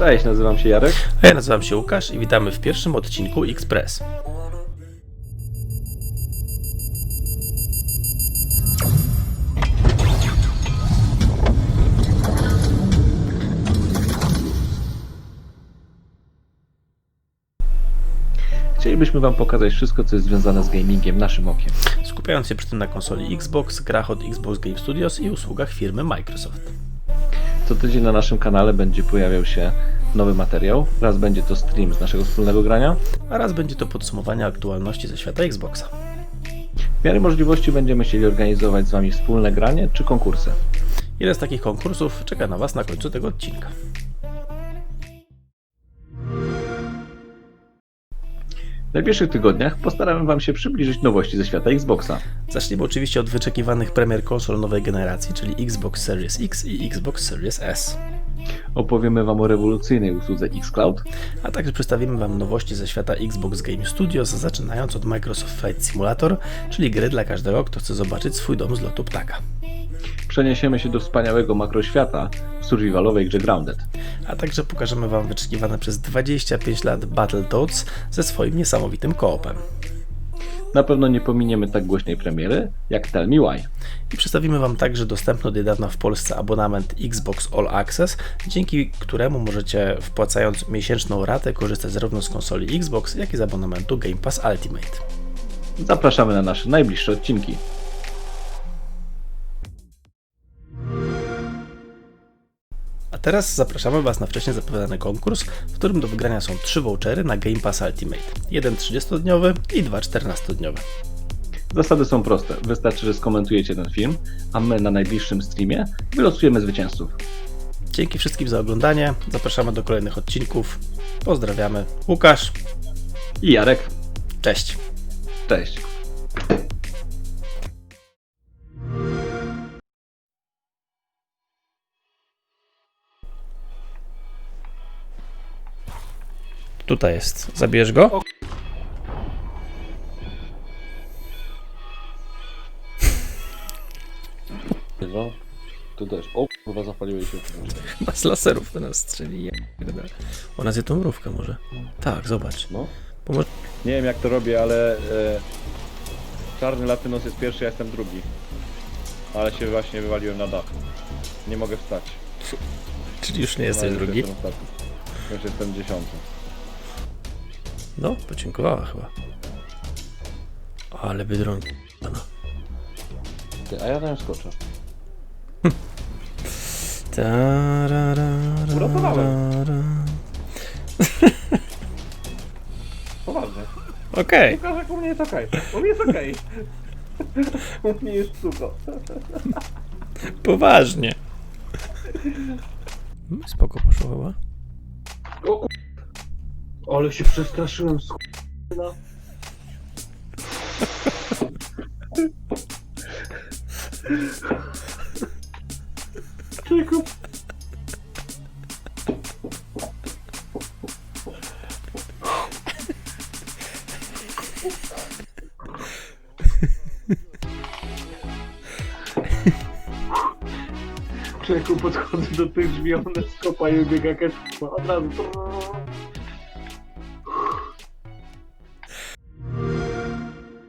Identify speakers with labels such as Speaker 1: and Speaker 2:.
Speaker 1: Cześć, nazywam się Jarek.
Speaker 2: A ja nazywam się Łukasz i witamy w pierwszym odcinku Express.
Speaker 1: Chcielibyśmy Wam pokazać wszystko, co jest związane z gamingiem naszym okiem.
Speaker 2: Skupiając się przy tym na konsoli Xbox, grach od Xbox Game Studios i usługach firmy Microsoft.
Speaker 1: Co tydzień na naszym kanale będzie pojawiał się nowy materiał. Raz będzie to stream z naszego wspólnego grania.
Speaker 2: A raz będzie to podsumowanie aktualności ze świata Xboxa.
Speaker 1: W miarę możliwości będziemy chcieli organizować z Wami wspólne granie czy konkursy.
Speaker 2: Jeden z takich konkursów czeka na Was na końcu tego odcinka.
Speaker 1: W najbliższych tygodniach postaramy Wam się przybliżyć nowości ze świata Xboxa.
Speaker 2: Zaczniemy oczywiście od wyczekiwanych premier konsol nowej generacji, czyli Xbox Series X i Xbox Series S.
Speaker 1: Opowiemy Wam o rewolucyjnej usłudze xCloud,
Speaker 2: A także przedstawimy Wam nowości ze świata Xbox Game Studios, zaczynając od Microsoft Flight Simulator, czyli gry dla każdego, kto chce zobaczyć swój dom z lotu ptaka.
Speaker 1: przeniesiemy się do wspaniałego makroświata w survivalowej grze Grounded.
Speaker 2: A także pokażemy Wam wyczekiwane przez 25 lat Battletoads ze swoim niesamowitym koopem.
Speaker 1: Na pewno nie pominiemy tak głośnej premiery jak Tell Me Why.
Speaker 2: I przedstawimy Wam także dostępny od niedawna w Polsce abonament Xbox All Access, dzięki któremu możecie, wpłacając miesięczną ratę, korzystać zarówno z konsoli Xbox, jak i z abonamentu Game Pass Ultimate.
Speaker 1: Zapraszamy na nasze najbliższe odcinki.
Speaker 2: A teraz zapraszamy Was na wcześniej zapowiadany konkurs, w którym do wygrania są 3 vouchery na Game Pass Ultimate. Jeden 30-dniowy i 2 14-dniowe.
Speaker 1: Zasady są proste. Wystarczy, że skomentujecie ten film, a my na najbliższym streamie wylosujemy zwycięzców.
Speaker 2: Dzięki wszystkim za oglądanie. Zapraszamy do kolejnych odcinków. Pozdrawiamy. Łukasz.
Speaker 1: I Jarek.
Speaker 2: Cześć.
Speaker 1: Cześć.
Speaker 2: Tutaj jest. Zabierz go.
Speaker 1: No, tu też. O, chyba zapaliły się.
Speaker 2: Chyba z laserów do nas strzeli. Ona zje tą mrówkę może. Tak, zobacz.
Speaker 1: No.
Speaker 2: Pomoż...
Speaker 1: Nie wiem jak to robię, ale czarny latynos jest pierwszy, ja jestem drugi. Ale się właśnie wywaliłem na dach. Nie mogę wstać.
Speaker 2: Czyli już nie jesteś
Speaker 1: No,
Speaker 2: drugi?
Speaker 1: Jestem ostatni. Już jestem 10.
Speaker 2: No, podziękowała chyba. Ale Biedronki.
Speaker 1: Ty, a ja tam skoczę. Uratowałem. Poważnie.
Speaker 2: Okej.
Speaker 1: Łukasz, u mnie jest okej. U mnie jest okej. U mnie jest sucho.
Speaker 2: Poważnie. Spoko poszło chyba.
Speaker 1: O ale się przestraszyłem z Czego? Człowieku, podchodzę do tych drzwi, one skopają biega od razu.